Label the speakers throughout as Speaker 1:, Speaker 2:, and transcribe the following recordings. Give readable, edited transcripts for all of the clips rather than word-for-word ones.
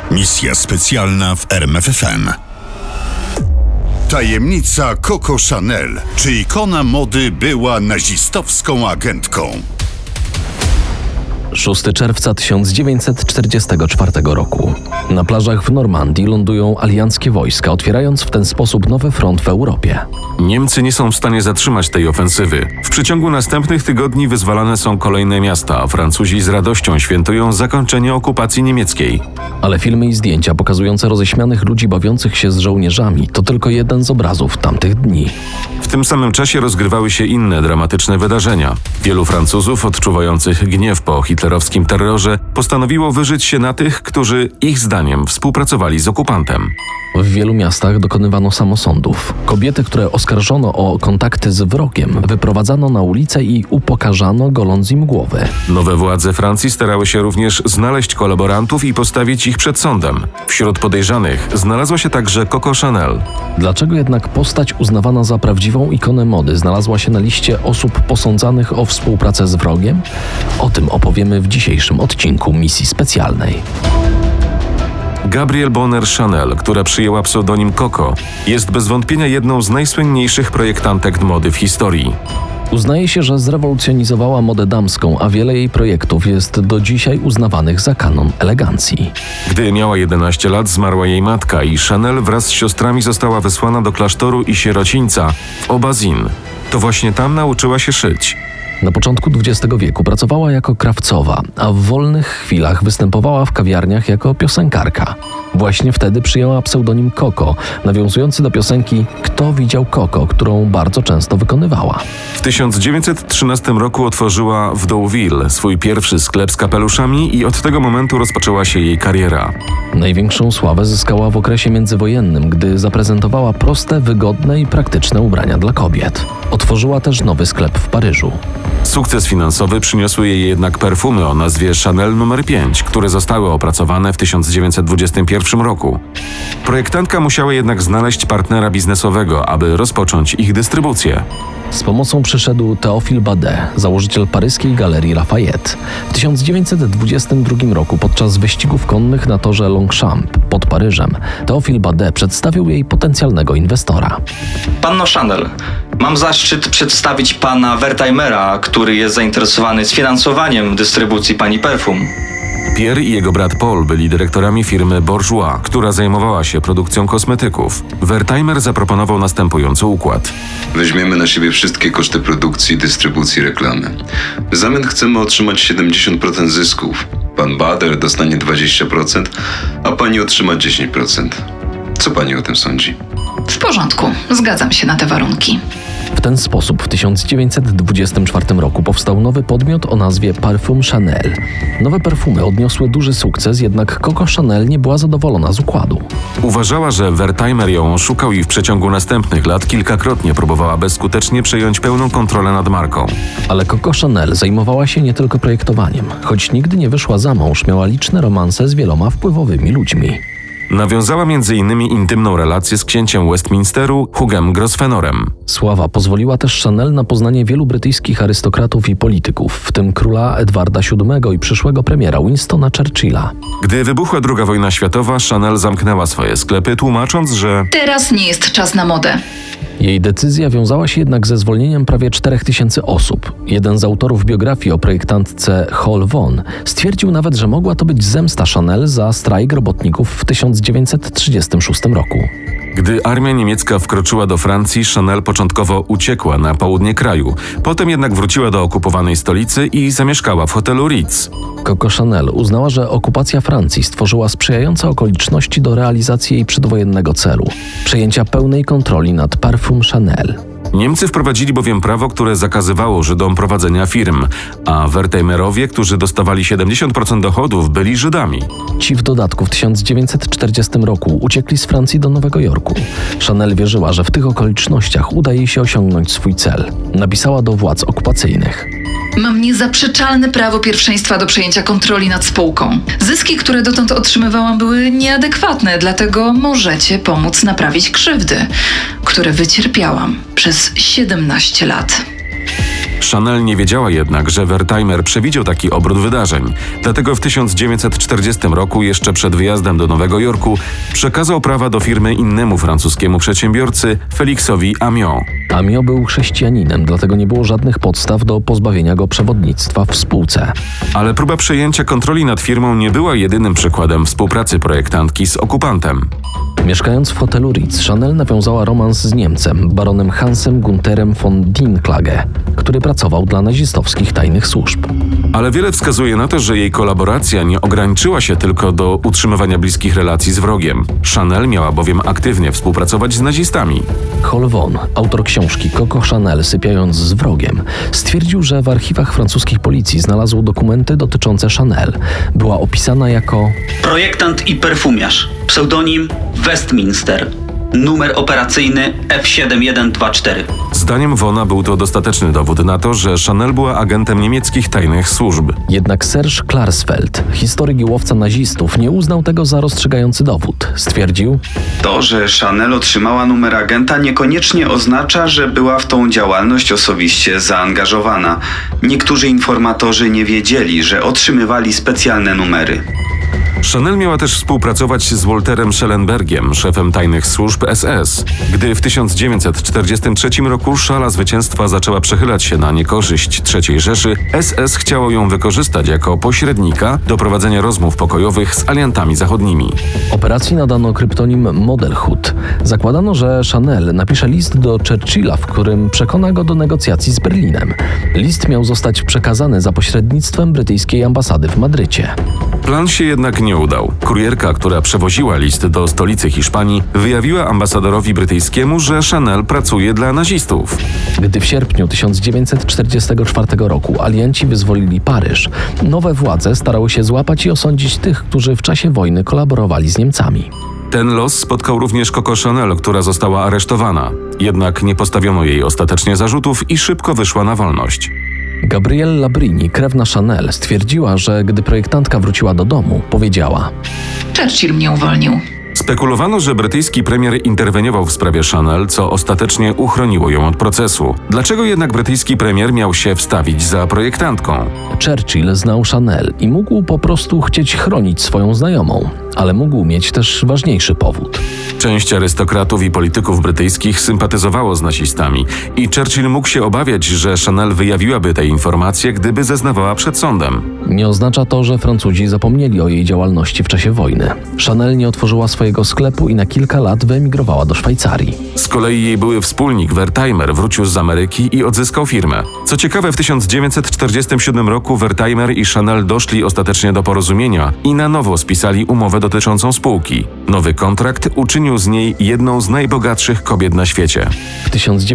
Speaker 1: Misja specjalna w RMFFM. Tajemnica Coco Chanel. Czy ikona mody była nazistowską agentką?
Speaker 2: 6 czerwca 1944 roku. Na plażach w Normandii lądują alianckie wojska, otwierając w ten sposób nowy front w Europie.
Speaker 3: Niemcy nie są w stanie zatrzymać tej ofensywy. W przeciągu następnych tygodni wyzwalane są kolejne miasta, a Francuzi z radością świętują zakończenie okupacji niemieckiej.
Speaker 2: Ale filmy i zdjęcia pokazujące roześmianych ludzi bawiących się z żołnierzami to tylko jeden z obrazów tamtych dni.
Speaker 3: W tym samym czasie rozgrywały się inne dramatyczne wydarzenia. Wielu Francuzów odczuwających gniew po hitlerowskim terrorze postanowiło wyżyć się na tych, którzy ich zdaniem współpracowali z okupantem.
Speaker 2: W wielu miastach dokonywano samosądów. Kobiety, które oskarżono o kontakty z wrogiem, wyprowadzano na ulicę i upokarzano, goląc im głowy.
Speaker 3: Nowe władze Francji starały się również znaleźć kolaborantów i postawić ich przed sądem. Wśród podejrzanych znalazła się także Coco Chanel.
Speaker 2: Dlaczego jednak postać uznawana za prawdziwą ikonę mody znalazła się na liście osób posądzanych o współpracę z wrogiem? O tym opowiemy w dzisiejszym odcinku Misji Specjalnej.
Speaker 3: Gabrielle Bonheur Chanel, która przyjęła pseudonim Coco, jest bez wątpienia jedną z najsłynniejszych projektantek mody w historii.
Speaker 2: Uznaje się, że zrewolucjonizowała modę damską, a wiele jej projektów jest do dzisiaj uznawanych za kanon elegancji.
Speaker 3: Gdy miała 11 lat, zmarła jej matka i Chanel wraz z siostrami została wysłana do klasztoru i sierocińca w Aubazin. To właśnie tam nauczyła się szyć.
Speaker 2: Na początku XX wieku pracowała jako krawcowa, a w wolnych chwilach występowała w kawiarniach jako piosenkarka. Właśnie wtedy przyjęła pseudonim Coco, nawiązujący do piosenki Kto widział Coco, którą bardzo często wykonywała.
Speaker 3: W 1913 roku otworzyła w Deauville swój pierwszy sklep z kapeluszami i od tego momentu rozpoczęła się jej kariera.
Speaker 2: Największą sławę zyskała w okresie międzywojennym, gdy zaprezentowała proste, wygodne i praktyczne ubrania dla kobiet. Otworzyła też nowy sklep w Paryżu.
Speaker 3: Sukces finansowy przyniosły jej jednak perfumy o nazwie Chanel nr 5, które zostały opracowane w 1921 roku. Projektantka musiała jednak znaleźć partnera biznesowego, aby rozpocząć ich dystrybucję.
Speaker 2: Z pomocą przyszedł Théophile Badet, założyciel paryskiej galerii Lafayette. W 1922 roku podczas wyścigów konnych na torze Longchamp pod Paryżem Théophile Badet przedstawił jej potencjalnego inwestora.
Speaker 4: Panno Chanel, mam zaszczyt przedstawić pana Wertheimera, który jest zainteresowany sfinansowaniem dystrybucji pani perfum.
Speaker 3: Pierre i jego brat Paul byli dyrektorami firmy Bourjois, która zajmowała się produkcją kosmetyków. Wertheimer zaproponował następujący układ.
Speaker 5: Weźmiemy na siebie wszystkie koszty produkcji, dystrybucji, reklamy. W zamian chcemy otrzymać 70% zysków. Pan Bader dostanie 20%, a pani otrzyma 10%. Co pani o tym sądzi?
Speaker 6: W porządku, zgadzam się na te warunki.
Speaker 2: W ten sposób w 1924 roku powstał nowy podmiot o nazwie Parfum Chanel. Nowe perfumy odniosły duży sukces, jednak Coco Chanel nie była zadowolona z układu.
Speaker 3: Uważała, że Wertheimer ją oszukał i w przeciągu następnych lat kilkakrotnie próbowała bezskutecznie przejąć pełną kontrolę nad marką.
Speaker 2: Ale Coco Chanel zajmowała się nie tylko projektowaniem. Choć nigdy nie wyszła za mąż, miała liczne romanse z wieloma wpływowymi ludźmi.
Speaker 3: Nawiązała m.in. intymną relację z księciem Westminsteru, Hughem Grosvenorem.
Speaker 2: Sława pozwoliła też Chanel na poznanie wielu brytyjskich arystokratów i polityków, w tym króla Edwarda VII i przyszłego premiera Winstona Churchilla.
Speaker 3: Gdy wybuchła II wojna światowa, Chanel zamknęła swoje sklepy, tłumacząc, że
Speaker 6: Teraz nie jest czas na modę.
Speaker 2: Jej decyzja wiązała się jednak ze zwolnieniem prawie 4000 osób. Jeden z autorów biografii o projektantce Hall Von stwierdził nawet, że mogła to być zemsta Chanel za strajk robotników w 1936 roku.
Speaker 3: Gdy armia niemiecka wkroczyła do Francji, Chanel początkowo uciekła na południe kraju. Potem jednak wróciła do okupowanej stolicy i zamieszkała w hotelu Ritz.
Speaker 2: Coco Chanel uznała, że okupacja Francji stworzyła sprzyjające okoliczności do realizacji jej przedwojennego celu – przejęcia pełnej kontroli nad Parfum Chanel.
Speaker 3: Niemcy wprowadzili bowiem prawo, które zakazywało Żydom prowadzenia firm, a Wertheimerowie, którzy dostawali 70% dochodów, byli Żydami.
Speaker 2: Ci w dodatku w 1940 roku uciekli z Francji do Nowego Jorku. Chanel wierzyła, że w tych okolicznościach uda jej się osiągnąć swój cel. Napisała do władz okupacyjnych.
Speaker 6: Mam niezaprzeczalne prawo pierwszeństwa do przejęcia kontroli nad spółką. Zyski, które dotąd otrzymywałam, były nieadekwatne, dlatego możecie pomóc naprawić krzywdy, które wycierpiałam przez 17 lat.
Speaker 3: Chanel nie wiedziała jednak, że Wertheimer przewidział taki obrót wydarzeń. Dlatego w 1940 roku, jeszcze przed wyjazdem do Nowego Jorku, przekazał prawa do firmy innemu francuskiemu przedsiębiorcy, Félixowi Amiot.
Speaker 2: Amiot był chrześcijaninem, dlatego nie było żadnych podstaw do pozbawienia go przewodnictwa w spółce.
Speaker 3: Ale próba przejęcia kontroli nad firmą nie była jedynym przykładem współpracy projektantki z okupantem.
Speaker 2: Mieszkając w hotelu Ritz, Chanel nawiązała romans z Niemcem, baronem Hansem Gunterem von Dinklage, który pracował dla nazistowskich tajnych służb.
Speaker 3: Ale wiele wskazuje na to, że jej kolaboracja nie ograniczyła się tylko do utrzymywania bliskich relacji z wrogiem. Chanel miała bowiem aktywnie współpracować z nazistami.
Speaker 2: Hol Von, autor książki Coco Chanel sypiając z wrogiem, stwierdził, że w archiwach francuskich policji znalazł dokumenty dotyczące Chanel. Była opisana jako
Speaker 7: projektant i perfumiarz. Pseudonim Westminster. Numer operacyjny F7124.
Speaker 3: Zdaniem Vona był to dostateczny dowód na to, że Chanel była agentem niemieckich tajnych służb.
Speaker 2: Jednak Serge Klarsfeld, historyk i łowca nazistów, nie uznał tego za rozstrzygający dowód. Stwierdził:
Speaker 8: To, że Chanel otrzymała numer agenta, niekoniecznie oznacza, że była w tą działalność osobiście zaangażowana. Niektórzy informatorzy nie wiedzieli, że otrzymywali specjalne numery.
Speaker 3: Chanel miała też współpracować z Walterem Schellenbergiem, szefem tajnych służb SS. Gdy w 1943 roku szala zwycięstwa zaczęła przechylać się na niekorzyść III Rzeszy, SS chciało ją wykorzystać jako pośrednika do prowadzenia rozmów pokojowych z aliantami zachodnimi.
Speaker 2: Operacji nadano kryptonim Modelhood. Zakładano, że Chanel napisze list do Churchilla, w którym przekona go do negocjacji z Berlinem. List miał zostać przekazany za pośrednictwem brytyjskiej ambasady w Madrycie.
Speaker 3: Plan się jednak nie udał. Kurierka, która przewoziła list do stolicy Hiszpanii, wyjawiła ambasadorowi brytyjskiemu, że Chanel pracuje dla nazistów.
Speaker 2: Gdy w sierpniu 1944 roku alianci wyzwolili Paryż, nowe władze starały się złapać i osądzić tych, którzy w czasie wojny kolaborowali z Niemcami.
Speaker 3: Ten los spotkał również Coco Chanel, która została aresztowana. Jednak nie postawiono jej ostatecznie zarzutów i szybko wyszła na wolność.
Speaker 2: Gabrielle Labrini, krewna Chanel, stwierdziła, że gdy projektantka wróciła do domu, powiedziała:
Speaker 6: Churchill mnie uwolnił.
Speaker 3: Spekulowano, że brytyjski premier interweniował w sprawie Chanel, co ostatecznie uchroniło ją od procesu. Dlaczego jednak brytyjski premier miał się wstawić za projektantką?
Speaker 2: Churchill znał Chanel i mógł po prostu chcieć chronić swoją znajomą, ale mógł mieć też ważniejszy powód.
Speaker 3: Część arystokratów i polityków brytyjskich sympatyzowało z nazistami i Churchill mógł się obawiać, że Chanel wyjawiłaby te informacje, gdyby zeznawała przed sądem.
Speaker 2: Nie oznacza to, że Francuzi zapomnieli o jej działalności w czasie wojny. Chanel nie otworzyła swojego sklepu i na kilka lat wyemigrowała do Szwajcarii.
Speaker 3: Z kolei jej były wspólnik Wertheimer wrócił z Ameryki i odzyskał firmę. Co ciekawe, w 1947 roku Wertheimer i Chanel doszli ostatecznie do porozumienia i na nowo spisali umowę dotyczącą spółki. Nowy kontrakt uczynił z niej jedną z najbogatszych kobiet na świecie.
Speaker 2: W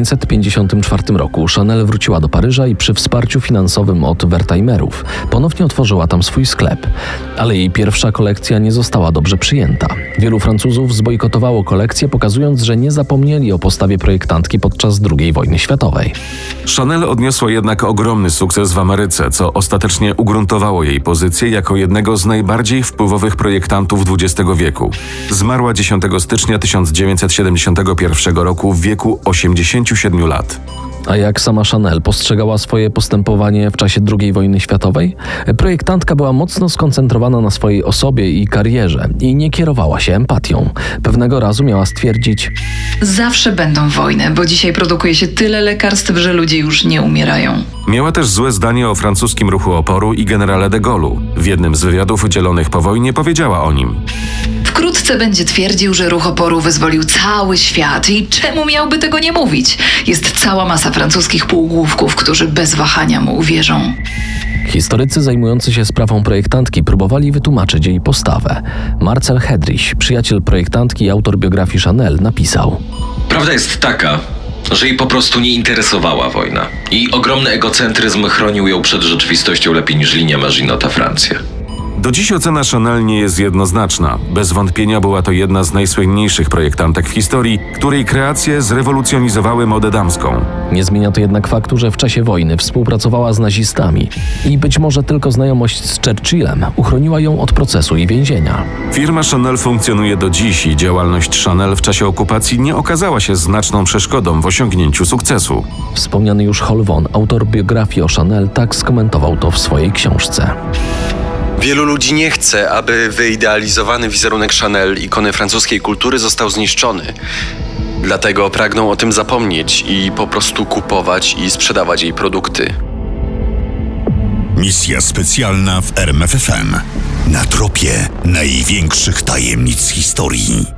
Speaker 2: 1954 roku Chanel wróciła do Paryża i przy wsparciu finansowym od Wertheimerów ponownie otworzyła tam swój sklep. Ale jej pierwsza kolekcja nie została dobrze przyjęta. Wielu Francuzów zbojkotowało kolekcję, pokazując, że nie zapomnieli o postawie projektantki podczas II wojny światowej.
Speaker 3: Chanel odniosła jednak ogromny sukces w Ameryce, co ostatecznie ugruntowało jej pozycję jako jednego z najbardziej wpływowych projektantów XX wieku. Zmarła 10 stycznia 1971 roku w wieku 87 lat.
Speaker 2: A jak sama Chanel postrzegała swoje postępowanie w czasie II wojny światowej? Projektantka była mocno skoncentrowana na swojej osobie i karierze i nie kierowała się empatią. Pewnego razu miała stwierdzić:
Speaker 6: Zawsze będą wojny, bo dzisiaj produkuje się tyle lekarstw, że ludzie już nie umierają.
Speaker 3: Miała też złe zdanie o francuskim ruchu oporu i generale de Gaulle'u. W jednym z wywiadów udzielonych po wojnie powiedziała o nim:
Speaker 6: Wkrótce będzie twierdził, że ruch oporu wyzwolił cały świat i czemu miałby tego nie mówić? Jest cała masa francuskich półgłówków, którzy bez wahania mu uwierzą.
Speaker 2: Historycy zajmujący się sprawą projektantki próbowali wytłumaczyć jej postawę. Marcel Hedrich, przyjaciel projektantki i autor biografii Chanel, napisał:
Speaker 9: Prawda jest taka, że jej po prostu nie interesowała wojna. I ogromny egocentryzm chronił ją przed rzeczywistością lepiej niż linia Maginota Francja.
Speaker 3: Do dziś ocena Chanel nie jest jednoznaczna. Bez wątpienia była to jedna z najsłynniejszych projektantek w historii, której kreacje zrewolucjonizowały modę damską.
Speaker 2: Nie zmienia to jednak faktu, że w czasie wojny współpracowała z nazistami i być może tylko znajomość z Churchillem uchroniła ją od procesu i więzienia.
Speaker 3: Firma Chanel funkcjonuje do dziś i działalność Chanel w czasie okupacji nie okazała się znaczną przeszkodą w osiągnięciu sukcesu.
Speaker 2: Wspomniany już Hol Von, autor biografii o Chanel, tak skomentował to w swojej książce.
Speaker 10: Wielu ludzi nie chce, aby wyidealizowany wizerunek Chanel, ikony francuskiej kultury, został zniszczony. Dlatego pragną o tym zapomnieć i po prostu kupować i sprzedawać jej produkty.
Speaker 1: Misja specjalna w RMFFM. Na tropie największych tajemnic historii.